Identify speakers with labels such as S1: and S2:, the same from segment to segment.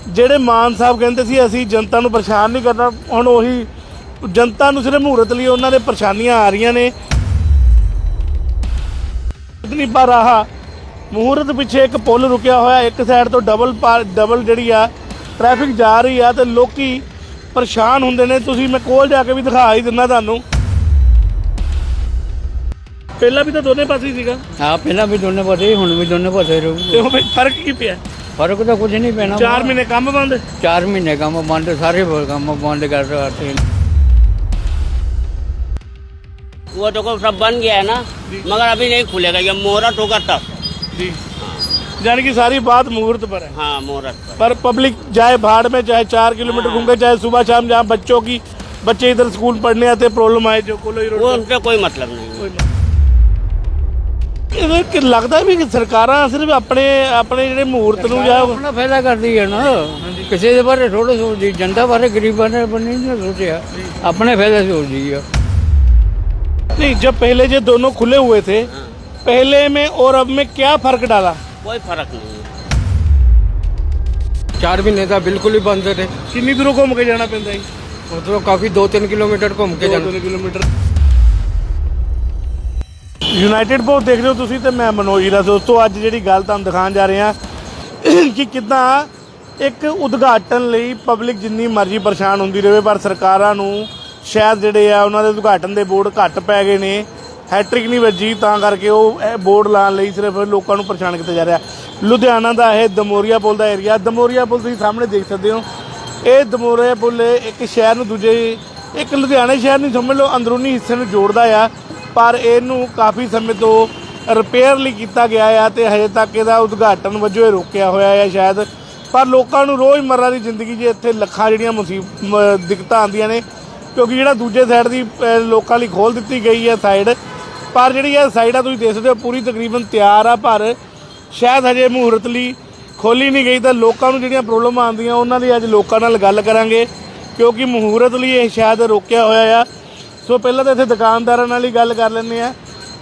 S1: ਜਿਹੜੇ ਮਾਨ ਸਾਹਿਬ ਕਹਿੰਦੇ ਸੀ ਅਸੀਂ ਜਨਤਾ ਨੂੰ ਪਰੇਸ਼ਾਨ ਨਹੀਂ ਕਰਨਾ, ਹੁਣ ਉਹੀ जनता ਨੂੰ सिर्फ मुहूर्त लिए उन्होंने परेशानियां आ रही ने। इतनी पर आह मुहूर्त पिछे एक पुल रुकिया होया, एक साइड तो डबल जी ट्रैफिक जा रही है तो लोग परेशान होंगे ने। तुसीं मैं कोल जाके भी दिखा ही दिना तुहानूं। पहला भी तो दोनों पासे ही सीगा।
S2: हाँ पहला भी दोनों पासे, हुण भी दोनों पासे रहू।
S1: फर्क की पिया?
S2: फर्क तो कुछ नहीं पैना।
S1: 4 महीने काम बंद,
S2: 4 महीने काम बंद, सारे काम बंद कर रहे।
S3: वो तो सब बन गया है ना, मगर अभी नहीं खुलेगा, ये मुहूर्त होगा तब
S1: जी। यानी कि सारी बात मुहूर्त पर है।
S3: हाँ मुहूर्त
S1: पर पब्लिक जाए भाड़ में, चाहे 4 किलोमीटर घूम के, चाहे सुबह शाम, जहाँ बच्चे इधर स्कूल पढ़ने आते प्रॉब्लम आए जो कोलोई रोड,
S3: वो उनका कोई मतलब नहीं।
S1: लगता है भी कि सरकारां सिर्फ अपने ਜਿਹੜੇ मुहूर्त ਨੂੰ ਜਾਂ
S2: अपना फायदा करती है ना, किसी के बारे थोड़ा सोचती, जनता बारे गरीबों ने नहीं सोचा, अपने फायदा सोचती है।
S1: नहीं, जब पहले जो दोनों खुले हुए थे पहले में और अब में क्या फर्क डाला?
S3: कोई फर्क नहीं है।
S4: 4 महीने का बिल्कुल ही बंद थे।
S1: कितनी दूर घूम के जाना पैंदा है?
S4: मतलब काफी 2-3 किलोमीटर घूम के जाना।
S1: 2-3 किलोमीटर। यूनाइटेड पोस्ट देख रहे हो तुसी, तो मैं मनोज हीरा दोस्तों अज जी गल तुहानूं दिखाउण जा रहे हैं कि किद्दां एक उद्घाटन लई पब्लिक जिन्नी मर्जी परेशान होंदी रहे, पर सरकारां नूं शायद जिहड़े आ उन्हां दे उद्घाटन दे बोर्ड घट पै गए ने, हैट्रिक नहीं वजी, तां करके वो बोर्ड लाने लई सिर्फ लोकां नूं परेशान किया जा रहा। लुधियाना का यह दमोरिया पुल का एरिया, दमोरिया पुल तुसीं सामने देख सकते हो। ये दमोरिया पुल एक शहर नूं दूजे, एक लुधियाने शहर नहीं समझ लो, अंदरूनी हिस्से नूं जोड़दा आ, पर इनू काफ़ी समय तो रिपेयर लई कीता गया है तो हजे तक इसदा उद्घाटन वजों रोकिया होया है शायद। पर लोगों को रोज़मर्रा की जिंदगी च इत्थे लखां जिहड़ियां दिक्कतां आउंदियां ने, क्योंकि जिहड़ा दूजे साइड की लोगों लई खोल दी गई है साइड, पर जिहड़ी यह साइड आ तुसीं देख सकते हो पूरी तकरीबन तैयार आ, पर शायद हजे मुहूर्त लई खोली नहीं गई। तो लोगों को जिहड़ियां प्रॉब्लम आउंदियां उन्हां दी अज लोकां नाल गल करांगे, क्योंकि मुहूर्त लई ये शायद रोकिया होया आ। सो पहले तो इत्थे दुकानदारां नाल ही गल कर लैंदे आ।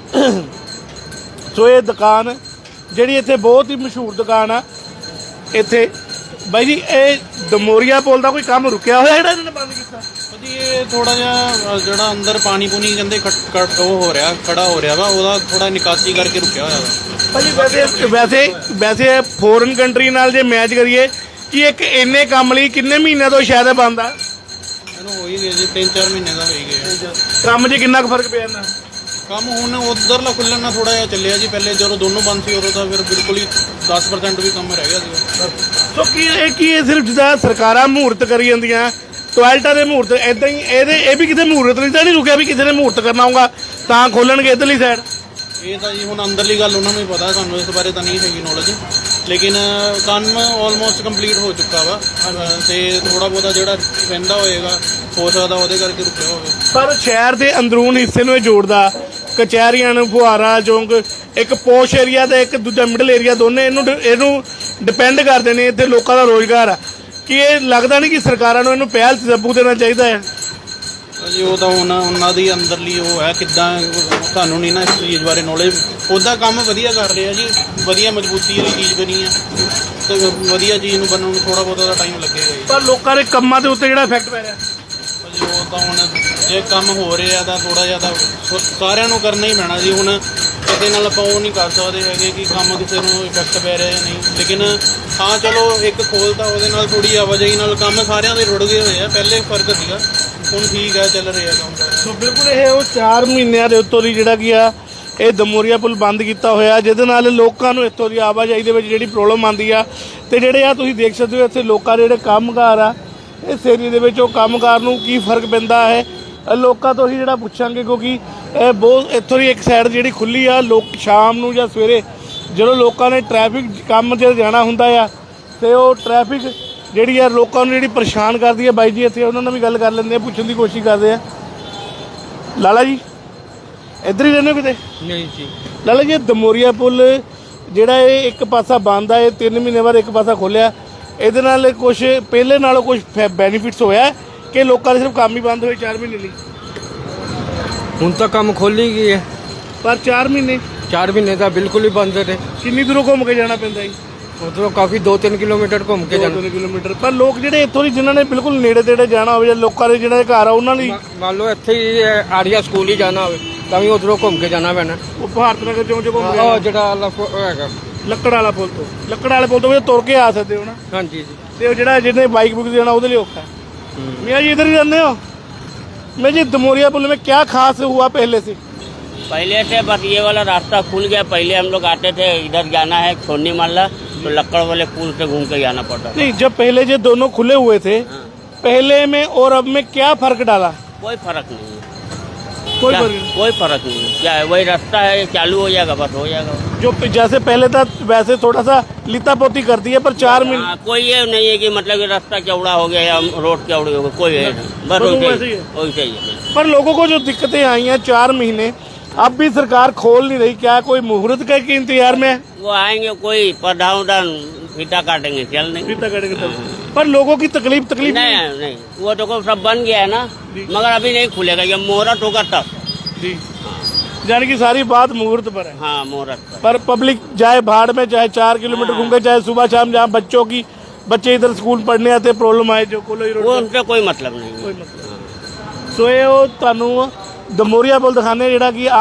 S1: सो ये दुकान जिहड़ी इत्थे बहुत ही मशहूर दुकान आ इत्थे बाई जी, ये दमोरिया पुल का कोई काम रुकिया होया जिहड़ा इन्होंने बंद कीता?
S5: ये थोड़ा जिहा ਜਿਹੜਾ ਅੰਦਰ ਪਾਣੀ ਪੂਣੀ ਕਹਿੰਦੇ ਉਹ ਹੋ ਰਿਹਾ, ਖੜਾ ਹੋ ਰਿਹਾ ਵਾ, ਉਹਦਾ ਥੋੜਾ ਨਿਕਾਸੀ ਕਰਕੇ ਰੁਕਿਆ ਹੋਇਆ ਵਾ।
S1: ਭਾਜੀ ਵੈਸੇ ਫੋਰਨ ਕੰਟਰੀ ਨਾਲ ਜੇ ਮੈਚ ਕਰੀਏ ਕਿ ਇੱਕ ਇੰਨੇ ਕੰਮ ਲਈ ਕਿੰਨੇ ਮਹੀਨਿਆਂ ਤੋਂ ਸ਼ਾਇਦ ਬੰਦ ਆ?
S5: ਇਹਨੂੰ ਹੋ ਹੀ ਗਏ ਜੀ 3-4 ਮਹੀਨੇ ਦਾ ਹੋ ਹੀ ਗਿਆ
S1: ਕੰਮ 'ਚ ਕਿੰਨਾ ਕੁ ਫਰਕ ਪਿਆ ਇਹਨਾਂ?
S5: ਕੰਮ ਹੁਣ ਉਧਰਲਾ ਖੁੱਲਣ ਨਾਲ ਥੋੜਾ ਜਿਹਾ ਚੱਲਿਆ ਜੀ, ਪਹਿਲੇ ਜਦੋਂ ਦੋਨੋਂ ਬੰਦ ਸੀ ਉਦੋਂ ਤਾਂ ਫਿਰ ਬਿਲਕੁਲ ਹੀ 10% ਵੀ ਕੰਮ ਰਹਿ ਗਿਆ ਸੀ।
S1: ਸੋ ਕੀ ਇਹ ਸਿਰਫ ਜਿੱਦਾਂ ਸਰਕਾਰਾਂ ਮਹੂਰਤ ਕਰੀ ਜਾਂਦੀਆਂ, ਟੋਇਲਟਾਂ ਦੇ ਮਹੂਰਤ ਇੱਦਾਂ ਹੀ ਇਹ ਵੀ ਕਿਤੇ ਮਹੂਰਤ ਨਹੀਂ ਤਾਂ ਨਹੀਂ ਰੁਕਿਆ ਵੀ ਕਿਸੇ ਨੇ ਮਹੂਰਤ ਕਰਨਾ ਹੋਊਗਾ ਤਾਂ ਖੋਲਣਗੇ ਇੱਧਰਲੀ ਸਾਈਡ?
S5: ਇਹ ਤਾਂ ਜੀ ਹੁਣ ਅੰਦਰਲੀ ਗੱਲ ਉਹਨਾਂ ਨੂੰ ਹੀ ਪਤਾ, ਸਾਨੂੰ ਇਸ ਬਾਰੇ ਤਾਂ ਨਹੀਂ ਹੈਗੀ ਨੌਲੇਜ, ਲੇਕਿਨ ਕੰਮ ਆਲਮੋਸਟ ਕੰਪਲੀਟ ਹੋ ਚੁੱਕਾ ਵਾ ਤੇ ਥੋੜਾ ਬਹੁਤਾ ਜਿਹੜਾ ਰਹਿੰਦਾ ਹੋਏਗਾ ਹੋ ਸਕਦਾ ਉਹਦੇ ਕਰਕੇ ਰੁਕਿਆ ਹੋਵੇ। ਪਰ
S1: ਸ਼ਹਿਰ ਦੇ ਅੰਦਰੂਨ ਹਿੱਸੇ ਨੂੰ ਇਹ ਜੋੜਦਾ, ਕਚਹਿਰੀਆਂ ਨੂੰ, ਫੁਹਾਰਾ ਚੌਂਕ, ਇੱਕ ਪੋਸ਼ ਏਰੀਆ ਤੇ ਇੱਕ ਦੂਜਾ ਮਿਡਲ ਏਰੀਆ, ਦੋਨੇ ਇਹਨੂੰ ਡਿਪੈਂਡ ਕਰਦੇ ਨੇ, ਇੱਥੇ ਲੋਕਾਂ ਦਾ ਰੋਜ਼ਗਾਰ ਆ। ਕਿ ਇਹ ਲੱਗਦਾ ਨਹੀਂ ਕਿ ਸਰਕਾਰਾਂ ਨੂੰ ਇਹਨੂੰ ਪਹਿਲ ਤਜੱਬੂ ਦੇਣਾ ਚਾਹੀਦਾ ਹੈ?
S5: ਜੀ ਉਹ ਤਾਂ ਉਹਨਾਂ ਦੀ ਅੰਦਰਲੀ ਉਹ ਹੈ, ਕਿੱਦਾਂ ਤੁਹਾਨੂੰ ਨਹੀਂ ਨਾ ਇਸ ਚੀਜ਼ ਬਾਰੇ ਨੌਲੇਜ। ਉਹਦਾ ਕੰਮ ਵਧੀਆ ਕਰ ਰਿਹਾ ਜੀ, ਵਧੀਆ ਮਜ਼ਬੂਤੀ ਵਾਲੀ ਚੀਜ਼ ਬਣੀ ਆ ਤੇ ਵਧੀਆ ਚੀਜ਼ ਨੂੰ ਬਣਨ ਨੂੰ ਥੋੜਾ ਬਹੁਤਾ ਟਾਈਮ ਲੱਗੇਗਾ ਜੀ।
S1: ਪਰ ਲੋਕਾਂ ਦੇ ਕੰਮਾਂ ਦੇ ਉੱਤੇ ਜਿਹੜਾ ਇਫੈਕਟ ਪੈ ਰਿਹਾ
S5: ਜੀ ਉਹ ਤਾਂ ਹੁਣ ਜੇ ਕੰਮ ਹੋ ਰਿਹਾ ਤਾਂ ਥੋੜਾ ਜਿਹਾ ਤਾਂ ਸਾਰਿਆਂ ਨੂੰ ਕਰਨਾ ਹੀ ਪੈਣਾ ਜੀ। ਹੁਣ ਕਿਸੇ ਨਾਲ ਆਪਾਂ ਉਹ ਨਹੀਂ ਕਰ ਸਕਦੇ ਹੈਗੇ ਕਿ ਕੰਮ ਕਿਸੇ ਨੂੰ ਇਫੈਕਟ ਪੈ ਰਿਹਾ ਜਾਂ ਨਹੀਂ, ਲੇਕਿਨ ਹਾਂ ਚਲੋ ਇੱਕ ਖੋਲ੍ਹਤਾ ਉਹਦੇ ਨਾਲ ਥੋੜੀ ਆਵਾਜਾਈ ਨਾਲ ਕੰਮ ਸਾਰਿਆਂ ਦੇ ਰੁੜ ਗਏ ਹੋਏ ਆ। ਪਹਿਲੇ ਫਰਕ ਸੀਗਾ, ਹੁਣ ਠੀਕ ਹੈ, ਚੱਲ ਰਿਹਾ ਕੰਮ ਸਾਰਾ।
S1: ਸੋ ਬਿਲਕੁਲ ਇਹ ਉਹ 4 ਮਹੀਨਿਆਂ ਦੇ ਉੱਤੋਂ ਦੀ ਜਿਹੜਾ ਕੀ ਆ ਇਹ ਦਮੋਰੀਆ ਪੁਲ ਬੰਦ ਕੀਤਾ ਹੋਇਆ, ਜਿਹਦੇ ਨਾਲ ਲੋਕਾਂ ਨੂੰ ਇੱਥੋਂ ਦੀ ਆਵਾਜਾਈ ਦੇ ਵਿੱਚ ਜਿਹੜੀ ਪ੍ਰੋਬਲਮ ਆਉਂਦੀ ਆ। ਤੇ ਜਿਹੜੇ ਆ ਤੁਸੀਂ ਦੇਖ ਸਕਦੇ ਹੋ ਇੱਥੇ ਲੋਕਾਂ ਦੇ ਜਿਹੜੇ ਕੰਮਕਾਰ ਆ ਇਸ ਏਰੀਏ ਦੇ ਵਿੱਚ, ਉਹ ਕੰਮਕਾਰ ਨੂੰ ਕੀ ਫਰਕ ਪੈਂਦਾ ਹੈ ਲੋਕਾਂ ਤੋਂ ਹੀ ਜਿਹੜਾ ਪੁੱਛਾਂਗੇ, ਕਿਉਂਕਿ ਇਹ ਬਹੁਤ ਇੱਥੋਂ ਦੀ ਇੱਕ ਸਾਈਡ ਜਿਹੜੀ ਖੁੱਲ੍ਹੀ ਆ। ਲੋਕ ਸ਼ਾਮ ਨੂੰ ਜਾਂ ਸਵੇਰੇ ਜਦੋਂ ਲੋਕਾਂ ਨੇ ਟ੍ਰੈਫਿਕ ਕੰਮ 'ਚ ਜਾਣਾ ਹੁੰਦਾ ਆ ਤੇ ਉਹ ਟ੍ਰੈਫਿਕ ਜਿਹੜੀ ਆ ਲੋਕਾਂ ਨੂੰ ਜਿਹੜੀ ਪਰੇਸ਼ਾਨ ਕਰਦੀ ਹੈ। ਬਾਈ ਜੀ ਇੱਥੇ ਉਹਨਾਂ ਨਾਲ ਵੀ ਗੱਲ ਕਰ ਲੈਂਦੇ ਆ, ਪੁੱਛਣ ਦੀ ਕੋਸ਼ਿਸ਼ ਕਰਦੇ ਆ। ਲਾਲਾ ਜੀ ਇੱਧਰ ਹੀ ਰਹਿੰਦੇ ਹੋ ਕਿਤੇ?
S4: ਨਹੀਂ ਜੀ
S1: ਲਾਲਾ ਜੀ, ਦਮੋਰੀਆ ਪੁਲ ਜਿਹੜਾ ਇਹ ਇੱਕ ਪਾਸਾ ਬੰਦ ਆ, ਇਹ 3 ਮਹੀਨੇ ਬਾਅਦ ਇੱਕ ਪਾਸਾ ਖੋਲ੍ਹਿਆ, ਇਹਦੇ ਨਾਲ ਕੁਛ ਪਹਿਲੇ ਨਾਲੋਂ ਕੁਛ ਬੈਨੀਫਿਟਸ ਹੋਇਆ ਕਿ ਲੋਕਾਂ ਦੇ ਸਿਰਫ ਕੰਮ ਹੀ ਬੰਦ ਹੋਏ 4 ਮਹੀਨੇ ਲਈ?
S4: ਹੁਣ ਤਾਂ ਕੰਮ ਖੋਲ ਹੀ ਗਈ ਹੈ,
S1: ਪਰ 4 ਮਹੀਨੇ
S4: 4 ਮਹੀਨੇ ਦਾ ਬਿਲकुल ਹੀ ਬੰਦ थे।
S1: ਕਿੰਨੀ ਦੂਰੋਂ ਘੁੰਮ ਕੇ ਜਾਣਾ ਪੈਂਦਾ ਜੀ?
S4: मतलब काफी 2-3 किलोमीटर घूम के जाना।
S1: 2 ਕਿਲੋਮੀਟਰ ਪਰ ਲੋਕ ਜਿਹੜੇ ਇੱਥੋਂ ਦੀ ਜਿਨ੍ਹਾਂ ਨੇ ਬਿਲਕੁਲ ਨੇੜੇ ਤੇੜੇ ਜਾਣਾ ਹੋਵੇ ਜਾਂ ਲੋਕਾਂ ਦੇ ਜਿਹਨਾਂ ਦੇ ਘਰ ਆ ਉਹਨਾਂ ਲਈ
S4: मान लो ਇੱਥੇ ਹੀ ਆਰੀਆ ਸਕੂਲ ਹੀ ਜਾਣਾ ਹੋਵੇ ਤਾਂ ਵੀ ਉਧਰੋਂ ਘੁੰਮ ਕੇ ਜਾਣਾ ਪੈਣਾ।
S1: ਉਹ ਭਾਰਤ ਨਗਰ ਚੌਂਕ ਚੋਂ ਘੁੰਮ
S4: ਉਹ
S1: ਕੇ
S4: ਜਿਹੜਾ ਹੈਗਾ
S1: ਲੱਕੜ ਵਾਲਾ ਪੁਲ ਤੋਂ ਵੀ ਤੁਰ ਕੇ ਆ ਸਕਦੇ ਹੋ ਨਾ।
S4: ਹਾਂਜੀ ਜੀ।
S1: ਤੇ ਉਹ ਜਿਹੜਾ ਜਿਹਨੇ बाइक बुक जाना ਉਹਦੇ ਲਈ ਔਖਾ है। मियाँ जी इधर ही रहते हो? मैं जी दमोरिया पुल में क्या खास हुआ पहले से?
S3: पहले से बस ये वाला रास्ता खुल गया। पहले हम लोग आते थे, इधर जाना है छोड़नी माला तो लक्कड़ वाले पुल से घूम के जाना पड़ता था।
S1: नहीं, जब पहले जो दोनों खुले हुए थे पहले में और अब में क्या फर्क डाला?
S3: कोई फर्क नहीं है,
S1: कोई फर्क नहीं।
S3: कोई फर्क नहीं है। क्या है, वही रास्ता है, चालू हो जाएगा, बस हो जाएगा।
S1: जो जैसे पहले था वैसे थोड़ा सा लिता पोती कर दी है पर 4 मिनट
S3: हाँ, कोई ये नहीं है कि मतलब कि रास्ता चौड़ा हो गया या रोड चौड़ी हो गई, कोई है नहीं। बस
S1: बस
S3: वैसे
S1: वैसे ही
S3: ही
S1: है।
S3: वैसे ही है।
S1: पर लोगों को जो दिक्कतें आई हैं 4 महीने अब भी सरकार खोल नहीं रही, क्या कोई मुहूर्त का के इंतजार में है?
S3: वो आएंगे कोई प्रधान फीता काटेंगे, चल नहीं।
S1: फीता कटेंगे तब। पर लोगों की तकलीफ
S3: नहीं नहीं, वो तो को सब बन गया है ना, मगर अभी नहीं खुलेगा, जब मुहूर्त होगा तब।
S1: जी, यानी कि सारी बात मुहूर्त पर है।
S3: हाँ, मुहूर्त पर।
S1: पर पब्लिक जाए भाड़ में, चाहे 4 किलोमीटर घूम के, चाहे सुबह शाम जहाँ बच्चे इधर स्कूल पढ़ने आते प्रॉब्लम आए जो कोलोई रोड
S3: वो
S1: पे।
S3: उनसे कोई मतलब नहीं है।
S1: ਕੋਈ ਮਤਲਬ ਸੋ ਇਹ ਉਹ ਤੁਹਾਨੂੰ ਦਮੋਰੀਆ ਪੁਲ ਦਿਖਾਣੇ ਜਿਹੜਾ ਕਿ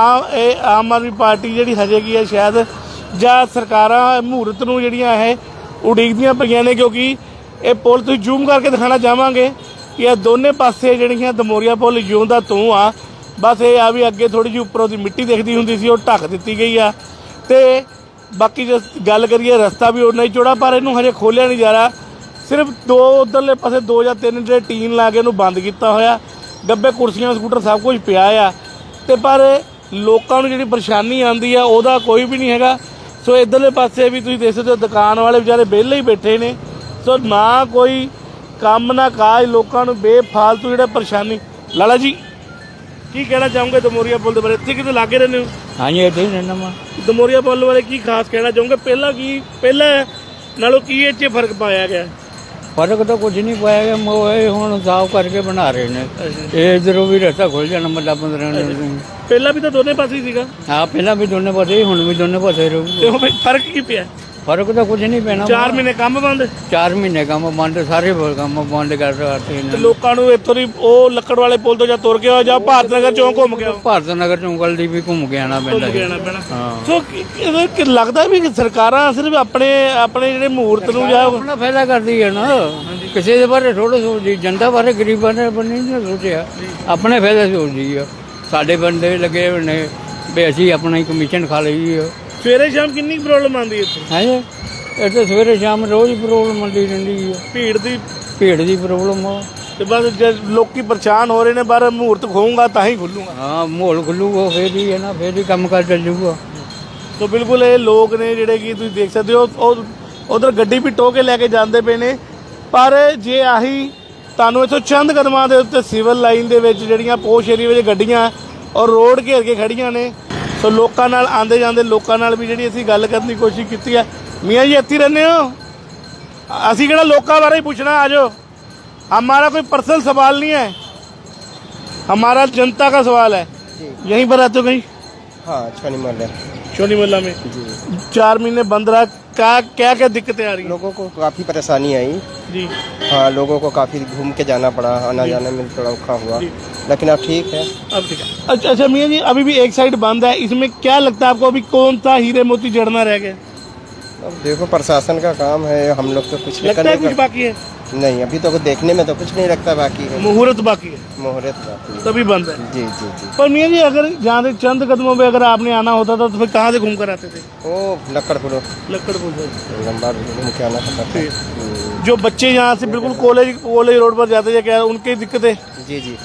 S1: ਆਮ ਆਦਮੀ ਪਾਰਟੀ ਜਿਹੜੀ ਹਜੇ ਕੀ ਹੈ ਸ਼ਾਇਦ ਜਾਂ ਸਰਕਾਰਾਂ ਮਹੂਰਤ ਨੂੰ ਜਿਹੜੀਆਂ ਇਹ ਉਡੀਕਦੀਆਂ ਪਈਆਂ ਨੇ, ਕਿਉਂਕਿ ਇਹ ਪੁਲ ਤੁਸੀਂ ਜ਼ੂਮ ਕਰਕੇ ਦਿਖਾਣਾ ਚਾਹਾਂਗੇ ਕਿ ਇਹ ਦੋਨੇ ਪਾਸੇ ਜਿਹੜੀਆਂ ਦਮੋਰੀਆ ਪੁਲ ਜਿਉਂਦਾ ਤੂੰ ਆ। ਬਸ ਇਹ ਆ ਵੀ ਅੱਗੇ ਥੋੜੀ ਜਿਹੀ ਉੱਪਰੋਂ ਦੀ ਮਿੱਟੀ ਦਿਖਦੀ ਹੁੰਦੀ ਸੀ, ਉਹ ਢੱਕ ਦਿੱਤੀ ਗਈ ਆ। ਤੇ ਬਾਕੀ ਜੇ ਗੱਲ ਕਰੀਏ ਰਸਤਾ ਵੀ ਉਨਾ ਹੀ ਚੌੜਾ ਪਰ ਇਹਨੂੰ ਹਜੇ ਖੋਲ੍ਹਿਆ ਨਹੀਂ ਜਾ ਰਿਹਾ। ਸਿਰਫ 2 ਉਧਰਲੇ ਪਾਸੇ 2 ਜਾਂ 3 ਜਿਹੜੇ ਟੀਨ ਲਾ ਕੇ ਇਹਨੂੰ ਬੰਦ ਕੀਤਾ ਹੋਇਆ, ਡੱਬੇ ਕੁਰਸੀਆਂ ਸਕੂਟਰ ਸਭ ਕੁਝ ਪਿਆ ਆ। ਤੇ ਪਰ ਲੋਕਾਂ ਨੂੰ ਜਿਹੜੀ ਪਰੇਸ਼ਾਨੀ ਆਉਂਦੀ ਆ ਉਹਦਾ ਕੋਈ ਵੀ ਨਹੀਂ ਹੈਗਾ। ਸੋ ਇੱਧਰਲੇ ਪਾਸੇ ਵੀ ਤੁਸੀਂ ਦੇਖ ਸਕਦੇ ਹੋ ਦੁਕਾਨ ਵਾਲੇ ਵਿਚਾਰੇ ਵਿਹਲੇ ਹੀ ਬੈਠੇ ਨੇ। ਸੋ ਨਾ ਕੋਈ ਕੰਮ ਨਾ ਕਾਜ, ਲੋਕਾਂ ਨੂੰ ਬੇਫਾਲਤੂ ਜਿਹੜਾ ਪਰੇਸ਼ਾਨੀ। ਲਾਲਾ ਜੀ ਕੀ ਕਹਿਣਾ ਚਾਹੋਗੇ ਦਮੋਰੀਆ ਪੁਲ ਦੇ ਬਾਰੇ? ਇੱਥੇ ਕਿਤੇ ਲਾਗੇ ਰਹਿੰਦੇ ਹੋ?
S2: ਹਾਂਜੀ ਇੱਥੇ ਹੀ ਰਹਿਣਾ ਵਾ।
S1: ਦਮੋਰੀਆ ਪੁਲ ਬਾਰੇ ਕੀ ਖਾਸ ਕਹਿਣਾ ਚਾਹੋਗੇ? ਪਹਿਲਾਂ ਨਾਲੋਂ ਕੀ ਇਹ 'ਚ ਫਰਕ ਪਾਇਆ ਗਿਆ?
S2: ਫਰਕ ਤਾਂ ਕੁਝ ਨਹੀਂ ਪਾਇਆ ਗਿਆ, ਇਹ ਹੁਣ ਸਾਫ਼ ਕਰਕੇ ਬਣਾ ਰਹੇ ਨੇ। ਇਹ ਇਧਰੋਂ ਵੀ ਰਸਤਾ ਖੁੱਲ ਜਾਣਾ ਮੱਲਾ 15 ਨੂੰ।
S1: ਪਹਿਲਾਂ ਵੀ ਤਾਂ ਦੋਨੇ ਪਾਸੇ ਹੀ ਸੀਗਾ।
S2: ਹਾਂ, ਪਹਿਲਾਂ ਵੀ ਦੋਨੇ ਪਾਸੇ, ਹੁਣ ਵੀ ਦੋਨੇ ਪਾਸੇ ਰਹੂ।
S1: ਤੇ ਉਹ ਫਰਕ ਕੀ ਪਿਆ?
S2: ਫਰਕ ਤਾਂ ਕੁਝ ਨਹੀਂ ਪੈਣਾ।
S1: 4 ਮਹੀਨੇ ਕੰਮ ਬੰਦ।
S2: 4 ਮਹੀਨੇ ਕੰਮ ਬੰਦ, ਸਾਰੇ ਕੰਮ ਬੰਦ ਕਰ ਰਹੇ
S1: ਤੇ
S2: ਨੇ।
S1: ਲੋਕਾਂ ਨੂੰ ਇੱਥੋਂ ਦੀ ਉਹ ਲੱਕੜ ਵਾਲੇ ਪੁਲ ਤੋਂ ਜਾਂ ਤੁਰ ਕੇ ਆਓ ਜਾਂ ਭਾਰਤ ਨਗਰ ਚੌਂਕ ਘੁੰਮ ਕੇ ਆਓ।
S2: ਭਾਰਤ ਨਗਰ ਚੌਂਕਲ ਦੀ ਵੀ ਘੁੰਮ ਕੇ ਆਣਾ ਪੈਂਦਾ ਹੈ। ਹਾਂ,
S1: ਸੋ ਇਹ ਲੱਗਦਾ ਵੀ ਕਿ ਸਰਕਾਰਾਂ ਸਿਰਫ ਆਪਣੇ ਜਿਹੜੇ ਮਹੂਰਤ ਨੂੰ ਜਾਂ
S2: ਆਪਣਾ ਫਾਇਦਾ ਕਰਦੀ ਹੈ ਨਾ, ਕਿਸੇ ਦੇ ਬਾਰੇ ਥੋੜਾ ਸੋਚਦੀ। ਜਨਤਾ ਬਾਰੇ, ਗਰੀਬਾਂ ਦੇ ਬਾਰੇ ਨਹੀਂ ਸੋਚਿਆ, ਆਪਣੇ ਫਾਇਦਾ ਸੋਚਦੀ ਆ। ਸਾਡੇ ਬੰਦੇ ਲੱਗੇ ਹੋਏ ਨੇ ਵੀ ਅਸੀਂ ਆਪਣਾ ਹੀ ਕਮਿਸ਼ਨ ਖਾ ਲਈ ਆ।
S1: ਸਵੇਰੇ ਸ਼ਾਮ ਕਿੰਨੀ ਪ੍ਰੋਬਲਮ ਆਉਂਦੀ ਇੱਥੇ?
S2: ਹੈ ਜੀ, ਇੱਥੇ ਸਵੇਰੇ ਸ਼ਾਮ ਰੋਜ਼ ਪ੍ਰੋਬਲਮ ਆਉਂਦੀ ਰਹਿੰਦੀ ਆ। ਭੀੜ ਦੀ ਪ੍ਰੋਬਲਮ ਆ।
S1: ਤੇ ਬਸ ਜੇ ਲੋਕੀ ਪਰੇਸ਼ਾਨ ਹੋ ਰਹੇ ਨੇ, ਬਾਹਰ ਮਹੂਰਤ ਖੋਊਂਗਾ ਤਾਂ ਹੀ ਖੁੱਲੂਗਾ।
S2: ਹਾਂ, ਮਾਹੌਲ ਖੁੱਲੂਗਾ ਫੇਰ ਹੀ ਹੈ ਨਾ, ਫੇਰ ਹੀ ਕੰਮ ਕਾਰ ਚੱਲੂਗਾ।
S1: ਸੋ ਬਿਲਕੁਲ ਇਹ ਲੋਕ ਨੇ ਜਿਹੜੇ ਕਿ ਤੁਸੀਂ ਦੇਖ ਸਕਦੇ ਹੋ, ਉਹ ਉਧਰ ਗੱਡੀ ਵੀ ਟੋਹ ਕੇ ਲੈ ਕੇ ਜਾਂਦੇ ਪਏ ਨੇ। ਪਰ ਜੇ ਆਹੀ ਤੁਹਾਨੂੰ ਇੱਥੋਂ ਚੰਦ ਕਦਮਾਂ ਦੇ ਉੱਤੇ ਸਿਵਲ ਲਾਈਨ ਦੇ ਵਿੱਚ ਜਿਹੜੀਆਂ ਪੋਸ਼ ਏਰੀਆ ਵਿੱਚ ਗੱਡੀਆਂ ਔਰ ਰੋਡ ਘੇਰ ਕੇ ਖੜੀਆਂ ਨੇ। ਸੋ ਲੋਕਾਂ ਨਾਲ ਆਉਂਦੇ ਜਾਂਦੇ ਲੋਕਾਂ ਨਾਲ ਵੀ ਜਿਹੜੀ ਅਸੀਂ ਗੱਲ ਕਰਨ ਦੀ ਕੋਸ਼ਿਸ਼ ਕੀਤੀ ਹੈ। ਮੀਆਂ ਜੀ ਇੱਥੇ ਰਹਿੰਦੇ ਹੋ? ਅਸੀਂ ਕਿਹੜਾ ਲੋਕਾਂ ਬਾਰੇ ਹੀ ਪੁੱਛਣਾ, ਆ ਜਾਓ। हमारा कोई पर्सनल सवाल नहीं है, हमारा जनता का सवाल है। यहीं पर रहते हो कहीं?
S6: हाँ, छोनी मोहल्ला।
S1: शोनी मोहल्ला में
S6: जी।
S1: 4 महीने बंद रहा, क्या दिक्कतें आ रही हैं?
S6: लोगों को काफ़ी परेशानी आई
S1: जी।
S6: हाँ, लोगों को काफ़ी घूम के जाना पड़ा, आना जाने में थोड़ा औखा हुआ, लेकिन अब ठीक है।
S1: अब ठीक है। अच्छा मियाँ जी, अभी भी एक साइड बंद है, इसमें क्या लगता है आपको? अभी कौन सा हीरे मोती जड़ना रह गया?
S6: अब देखो प्रशासन का काम है, हम लोग तो कुछ
S1: लगता है कुछ बाकी है?
S6: नहीं, अभी तो देखने में तो कुछ नहीं लगता बाकी है।
S1: मुहूर्त बाकी है,
S6: मुहूर्त बाकी है,
S1: तभी बंद है।
S6: जी जी जी।
S1: पर मियाँ जी अगर जहाँ से चंद कदमों पे अगर आपने आना होता था तो फिर कहाँ से घूम कर आते थे?
S6: वो लक्कड़ पुलो
S1: लक्कड़ पुल से।
S6: लंबा घूम के आना पड़ता था।
S1: जो बच्चे यहाँ से बिल्कुल कॉलेज रोड पर जाते थे, क्या उनकी दिक्कतें?
S6: जी जी,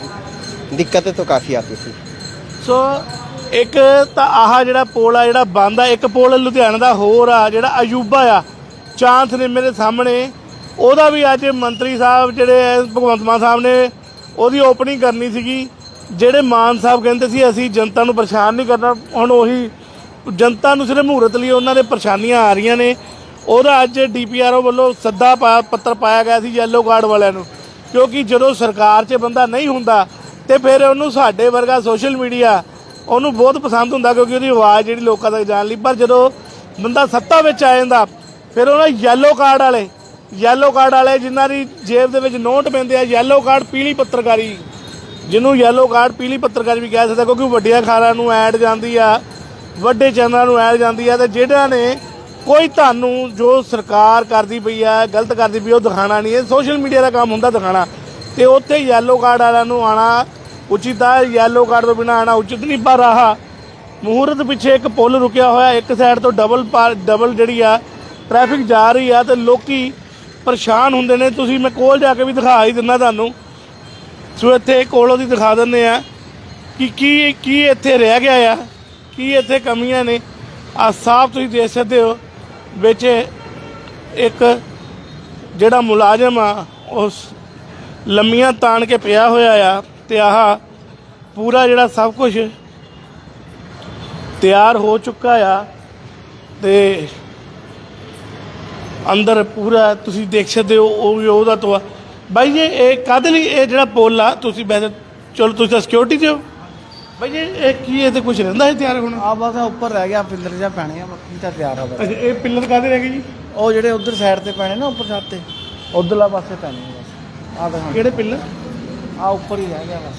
S6: काफ़ी दिक्कतें तो काफ़ी आती थी।
S1: ਸੋ ਇੱਕ ਤਾਂ ਆਹ ਜਿਹੜਾ ਪੁਲ ਆ ਜਿਹੜਾ ਬੰਦ ਆ, ਇੱਕ ਪੁਲ ਲੁਧਿਆਣਾ ਦਾ ਹੋਰ ਆ ਜਿਹੜਾ ਅਯੂਬਾ ਆ ਚਾਂਸ ਨੇ ਮੇਰੇ ਸਾਹਮਣੇ, ਉਹਦਾ ਵੀ ਅੱਜ ਮੰਤਰੀ ਸਾਹਿਬ ਜਿਹੜੇ ਭਗਵੰਤ ਮਾਨ ਸਾਹਿਬ ਨੇ ਉਹਦੀ ਓਪਨਿੰਗ ਕਰਨੀ ਸੀਗੀ। ਜਿਹੜੇ ਮਾਨ ਸਾਹਿਬ ਕਹਿੰਦੇ ਸੀ ਅਸੀਂ ਜਨਤਾ ਨੂੰ ਪਰੇਸ਼ਾਨ ਨਹੀਂ ਕਰਨਾ, ਹੁਣ ਉਹੀ ਜਨਤਾ ਨੂੰ ਸਿਰਫ ਮਹੂਰਤ ਲਈ ਉਹਨਾਂ ਦੇ ਪਰੇਸ਼ਾਨੀਆਂ ਆ ਰਹੀਆਂ ਨੇ। ਉਹਦਾ ਅੱਜ DPRO ਵੱਲੋਂ ਸੱਦਾ ਪੱਤਰ ਪਾਇਆ ਗਿਆ ਸੀ ਯੈਲੋ ਕਾਰਡ ਵਾਲਿਆਂ ਨੂੰ, ਕਿਉਂਕਿ ਜਦੋਂ ਸਰਕਾਰ 'ਚ ਬੰਦਾ ਨਹੀਂ ਹੁੰਦਾ ਤੇ ਫਿਰ ਉਹਨੂੰ ਸਾਡੇ ਵਰਗਾ ਸੋਸ਼ਲ ਮੀਡੀਆ ਉਹਨੂੰ ਬਹੁਤ ਪਸੰਦ ਹੁੰਦਾ, ਕਿਉਂਕਿ ਉਹਦੀ ਆਵਾਜ਼ ਜਿਹੜੀ ਲੋਕਾਂ ਤੱਕ ਜਾਣ ਲਈ। ਪਰ ਜਦੋਂ ਬੰਦਾ ਸੱਤਾ ਵਿੱਚ ਆ ਜਾਂਦਾ ਫਿਰ ਉਹਨਾਂ ਯੈਲੋ ਕਾਰਡ ਵਾਲੇ ਜਿਨ੍ਹਾਂ ਦੀ ਜੇਬ ਦੇ ਵਿੱਚ ਨੋਟ ਪੈਂਦੇ ਆ, ਯੈਲੋ ਕਾਰਡ ਪੀਲੀ ਪੱਤਰਕਾਰੀ, ਜਿਹਨੂੰ ਯੈਲੋ ਕਾਰਡ ਪੀਲੀ ਪੱਤਰਕਾਰੀ ਵੀ ਕਹਿ ਸਕਦਾ, ਕਿਉਂਕਿ ਵੱਡੀਆਂ ਅਖਬਾਰਾਂ ਨੂੰ ਐਡ ਜਾਂਦੀ ਆ, ਵੱਡੇ ਚੈਨਲਾਂ ਨੂੰ ਐਡ ਜਾਂਦੀ ਆ, ਤੇ ਜਿਹੜਾ ਨੇ ਕੋਈ ਤੁਹਾਨੂੰ ਜੋ ਸਰਕਾਰ ਕਰਦੀ ਪਈ ਆ, ਗਲਤ ਕਰਦੀ ਪਈ, ਉਹ ਦਿਖਾਉਣਾ ਨਹੀਂ। ਇਹ ਸੋਸ਼ਲ ਮੀਡੀਆ ਦਾ ਕੰਮ ਹੁੰਦਾ ਦਿਖਾਉਣਾ, ਤੇ ਉੱਥੇ ਯੈਲੋ ਕਾਰਡ ਵਾਲਿਆਂ ਨੂੰ ਆਉਣਾ ਉਚਿਤ ਆ, ਯੈਲੋ ਕਾਰਡ ਤੋਂ ਬਿਨਾਂ ਆਉਣਾ ਉਚਿਤ ਨਹੀਂ। ਪਰ ਆਹ ਮਹੂਰਤ ਪਿੱਛੇ ਇੱਕ ਪੁਲ ਰੁਕਿਆ ਹੋਇਆ, ਇੱਕ ਸਾਈਡ ਤੋਂ ਡਬਲ ਜਿਹੜੀ ਆ ਟ੍ਰੈਫਿਕ ਜਾ ਰਹੀ ਆ, ਤੇ ਲੋਕੀ ਪਰੇਸ਼ਾਨ ਹੁੰਦੇ ਨੇ। ਤੁਸੀਂ ਮੈਂ ਕੋਲ ਜਾ ਕੇ ਵੀ ਦਿਖਾ ਹੀ ਦਿੰਦਾ ਤੁਹਾਨੂੰ, ਸੋ ਇੱਥੇ ਕੋਲੋਂ ਦੀ ਦਿਖਾ ਦਿੰਦੇ ਆ ਕਿ ਕੀ ਇੱਥੇ ਰਹਿ ਗਿਆ ਆ, ਕੀ ਇੱਥੇ ਕਮੀਆਂ ਨੇ। ਆ ਸਾਫ ਤੁਸੀਂ ਦੇਖ ਸਕਦੇ ਹੋ, ਵਿੱਚ ਇੱਕ ਜਿਹੜਾ ਮੁਲਾਜ਼ਮ ਆ ਉਸ ਲੰਮੀਆਂ ਤਾਣ ਕੇ ਪਿਆ ਹੋਇਆ ਆ, ਤੇ ਆਹ ਪੂਰਾ ਜਿਹੜਾ ਸਭ ਕੁਝ ਤਿਆਰ ਹੋ ਚੁੱਕਾ ਆ, ਤੇ ਅੰਦਰ ਪੂਰਾ ਤੁਸੀਂ ਦੇਖ ਸਕਦੇ ਹੋ ਉਹ ਵੀ ਉਹਦਾ ਤੋਂ। ਬਾਈ ਜੀ ਇਹ ਕਾਹਦੇ ਲਈ ਇਹ ਜਿਹੜਾ ਪੁੱਲ ਆ, ਤੁਸੀਂ ਵੈਸੇ ਚਲੋ ਤੁਸੀਂ ਤਾਂ ਸਿਕਿਉਰਿਟੀ 'ਚ ਹੋ ਬਾਈ ਜੀ, ਇਹ ਕੀ ਇਹ ਤੇ ਕੁਝ ਰਹਿੰਦਾ ਹੈ ਤਿਆਰ ਹੋਣਾ?
S7: ਆ ਬਸ ਉੱਪਰ ਰਹਿ ਗਿਆ, ਪਿੱਲਰ ਜਿਹਾ ਪੈਣੇ ਆ, ਬਾਕੀ ਤਾਂ ਤਿਆਰ ਆ ਬਸ।
S1: ਅੱਛਾ, ਇਹ ਪਿੱਲਰ ਕਾਹਦੇ ਰਹਿ ਗਏ ਜੀ?
S7: ਉਹ ਜਿਹੜੇ ਉਧਰ ਸਾਈਡ ਤੇ ਪੈਣੇ ਨਾ, ਉੱਪਰ ਛੱਤ ਤੇ, ਉਧਰਲਾ ਪਾਸੇ ਪੈਣੇ ਆ ਬਸ। ਆ ਦਿਖਾ,
S1: ਕਿਹੜੇ ਪਿੱਲਰ?
S7: ਆ ਉੱਪਰ ਹੀ ਰਹਿ ਗਿਆ ਬਸ।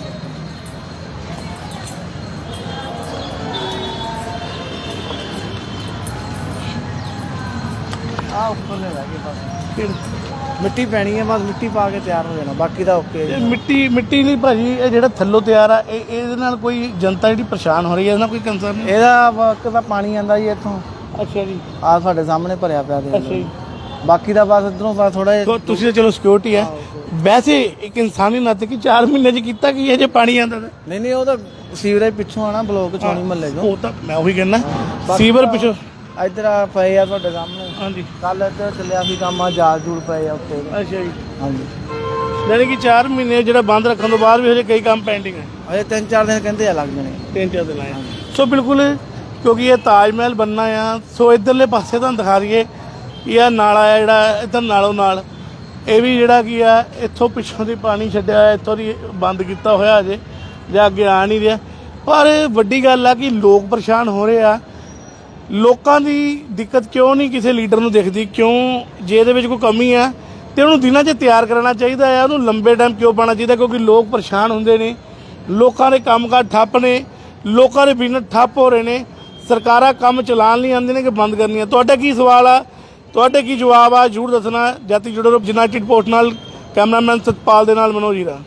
S7: ਆ ਉੱਪਰ ਨੇ ਰਹਿ ਗਏ ਬਸ। ਮਿੱਟੀ ਪੈਣੀ ਹੈ ਬਸ, ਮਿੱਟੀ ਪਾ ਕੇ ਤਿਆਰ ਹੋ ਜਾਣਾ, ਬਾਕੀ ਤਾਂ ਓਕੇ।
S1: ਇਹ ਮਿੱਟੀ ਲਈ ਭਾਜੀ ਇਹ ਜਿਹੜਾ ਥੱਲੋਂ ਤਿਆਰ ਆ, ਇਹਦੇ ਨਾਲ ਕੋਈ ਜਨਤਾ ਜਿਹੜੀ ਪਰੇਸ਼ਾਨ ਹੋ ਰਹੀ ਹੈ, ਇਹਦਾ ਕੋਈ ਕੰਸਰਨ ਨਹੀਂ?
S7: ਇਹਦਾ ਇੱਕ ਤਾਂ ਪਾਣੀ ਆਂਦਾ ਜੀ ਇੱਥੋਂ,
S1: ਅੱਛਾ ਜੀ,
S7: ਆ ਸਾਡੇ ਸਾਹਮਣੇ ਭਰਿਆ ਪਿਆ ਦੇ।
S1: ਅੱਛਾ ਜੀ।
S7: ਬਾਕੀ ਦਾ ਬਸ ਇਧਰੋਂ ਬਸ ਥੋੜਾ ਜਿਹਾ।
S1: ਤੁਸੀਂ ਤਾਂ ਚਲੋ ਸਿਕਿਉਰਿਟੀ ਹੈ, ਵੈਸੇ ਇੱਕ ਇਨਸਾਨੀ ਨਾਤੇ ਕਿ 4 ਮਹੀਨੇ 'ਚ ਕੀਤਾ ਕੀ ਹੈ ਜੇ ਪਾਣੀ ਆਉਂਦਾ ਤਾਂ?
S7: ਨਹੀਂ ਉਹ ਤਾਂ ਸੀਵਰੇਜ ਪਿੱਛੋਂ ਆਣਾ, ਬਲੋਕ ਚੋਣੀ ਮਹੱਲੇ ਚੋਂ।
S1: ਉਹ ਤਾਂ ਮੈਂ ਉਹੀ ਕਹਿੰਦਾ, ਸੀਵਰ ਪਿੱਛੋਂ।
S7: ਇੱਧਰ ਆ ਪਏ ਆ ਤੁਹਾਡੇ ਸਾਹਮਣੇ,
S1: ਹਾਂਜੀ,
S7: ਕੱਲ ਇੱਧਰ ਚੱਲਿਆ ਸੀ ਕੰਮ, ਆ ਜਾਲ ਜੂਲ ਪਏ ਆ ਉੱਤੇ।
S1: ਅੱਛਾ ਜੀ।
S7: ਹਾਂਜੀ,
S1: ਯਾਨੀ ਕਿ 4 ਮਹੀਨੇ ਜਿਹੜਾ ਬੰਦ ਰੱਖਣ ਤੋਂ ਬਾਅਦ ਵੀ ਹਜੇ ਕਈ ਕੰਮ ਪੈਂਡਿੰਗ ਹੈ।
S7: ਅਜੇ 3-4 ਦਿਨ ਕਹਿੰਦੇ ਆ ਲੱਗ ਜਾਣੇ।
S1: 3-4 ਦਿਨ ਆਏ। ਸੋ ਬਿਲਕੁਲ, ਕਿਉਂਕਿ ਇਹ ਤਾਜ ਮਹਿਲ ਬਣਨਾ ਆ। ਸੋ ਇੱਧਰਲੇ ਪਾਸੇ ਤੁਹਾਨੂੰ ਦਿਖਾ ਦਈਏ, ਇਹ ਨਾਲਾ ਆ ਜਿਹੜਾ ਇੱਧਰ ਨਾਲੋਂ ਨਾਲ, ਇਹ ਵੀ ਜਿਹੜਾ ਕੀ ਆ ਇੱਥੋਂ ਪਿੱਛੋਂ ਦੀ ਪਾਣੀ ਛੱਡਿਆ ਹੋਇਆ, ਇੱਥੋਂ ਦੀ ਬੰਦ ਕੀਤਾ ਹੋਇਆ ਅਜੇ, ਜਾਂ ਅੱਗੇ ਆ ਨਹੀਂ ਰਿਹਾ। ਪਰ ਵੱਡੀ ਗੱਲ ਆ ਕਿ ਲੋਕ ਪਰੇਸ਼ਾਨ ਹੋ ਰਹੇ ਆ। ਲੋਕਾਂ ਦੀ ਦਿੱਕਤ ਕਿਉਂ ਨਹੀਂ ਕਿਸੇ ਲੀਡਰ ਨੂੰ ਦਿਖਦੀ? ਕਿਉਂ? ਜੇ ਇਹਦੇ ਵਿੱਚ ਕੋਈ ਕਮੀ ਆ ਤੇ ਉਹਨੂੰ ਦਿਨਾਂ 'ਚ ਤਿਆਰ ਕਰਨਾ ਚਾਹੀਦਾ ਆ, ਉਹਨੂੰ ਲੰਬੇ ਟਾਈਮ ਕਿਉਂ ਪਾਉਣਾ ਚਾਹੀਦਾ? ਕਿਉਂਕਿ ਲੋਕ ਪਰੇਸ਼ਾਨ ਹੁੰਦੇ ਨੇ, ਲੋਕਾਂ ਦੇ ਕੰਮਕਾਰ ਠੱਪ ਨੇ, ਲੋਕਾਂ ਦੇ ਬਿਜ਼ਨਸ ਠੱਪ ਹੋ ਰਹੇ ਨੇ। ਸਰਕਾਰਾਂ ਕੰਮ ਚਲਾਉਣ ਲਈ ਆਉਂਦੀਆਂ ਨੇ ਕਿ ਬੰਦ ਕਰਨੀਆਂ? ਤੁਹਾਡਾ ਕੀ ਸਵਾਲ ਆ, ਤੁਹਾਡੇ ਕੀ ਜਵਾਬ ਆ, ਜ਼ਰੂਰ ਦੱਸਣਾ। ਜਾਤੀ ਜੁੜੇ ਰਹੋ ਯੂਨਾਈਟਿਡ ਪੋਸਟ ਨਾਲ। ਕੈਮਰਾਮੈਨ ਸਤਪਾਲ ਦੇ ਨਾਲ ਮਨੋਜ ਹੀਰਾ।